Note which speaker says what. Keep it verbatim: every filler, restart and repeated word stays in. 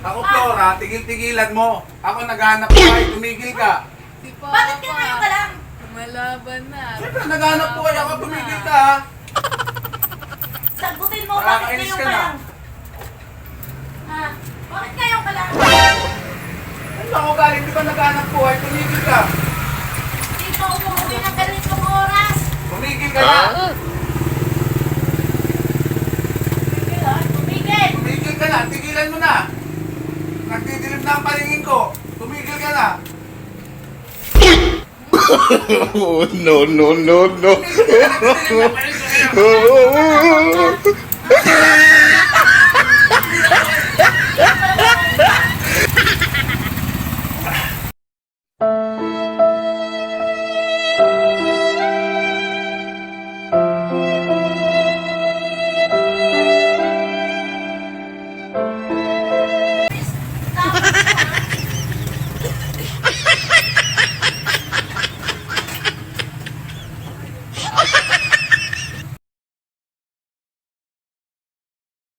Speaker 1: Ako, Flora, tigil-tigilan mo. Ako naghanap buhay, tumigil ka.
Speaker 2: Si Papa.
Speaker 3: Bakit ka ngayon ka lang?
Speaker 2: Malaban na.
Speaker 1: Siyempre, naghanap buhay ako, tumigil ka ha.
Speaker 3: Sagutin mo, bakit
Speaker 1: Nakakainis
Speaker 3: ngayon
Speaker 1: ka
Speaker 3: ka
Speaker 1: na.
Speaker 3: lang? Ha? Bakit ngayon ka lang?
Speaker 1: Ano ako galing, di ba naghanap buhay, tumigil ka.
Speaker 3: Dito umuwi ng ganitong oras.
Speaker 1: Tumigil ka na.
Speaker 3: Tumigil ha? Tumigil!
Speaker 1: Tumigil ka na, tigilan mo na. Nagdidilim na ang palingin ko. Tumigil ka na.
Speaker 4: Oh, no, no, no, no.
Speaker 1: Tumigil ka na, tigilan na ang palingin ko.